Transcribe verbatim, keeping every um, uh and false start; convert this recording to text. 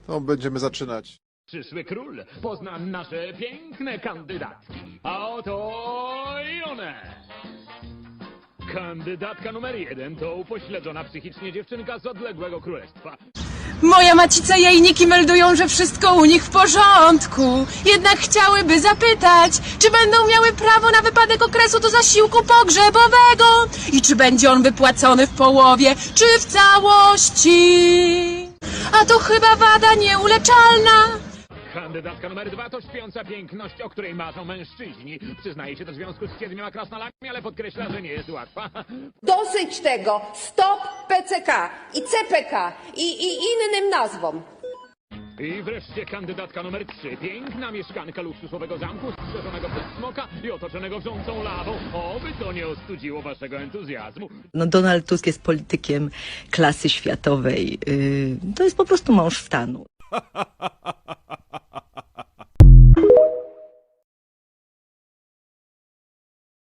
To będziemy zaczynać. Przyszły król pozna nasze piękne kandydatki. A oto i one. Kandydatka numer jeden to upośledzona psychicznie dziewczynka z odległego królestwa. Moja macica i jajniki meldują, że wszystko u nich w porządku. Jednak chciałyby zapytać, czy będą miały prawo na wypadek okresu do zasiłku pogrzebowego i czy będzie on wypłacony w połowie, czy w całości. A to chyba wada nieuleczalna. Kandydatka numer dwa to śpiąca piękność, o której marzą mężczyźni. Przyznaje się do związku z siedmioma krasnolami, ale podkreśla, że nie jest łatwa. Dosyć tego! Stop P C K i C P K i, i innym nazwom. I wreszcie kandydatka numer trzy. Piękna mieszkanka luksusowego zamku, strzeżonego przez smoka i otoczonego wrzącą lawą. Oby to nie ostudziło waszego entuzjazmu. No Donald Tusk jest politykiem klasy światowej. Yy, to jest po prostu mąż stanu.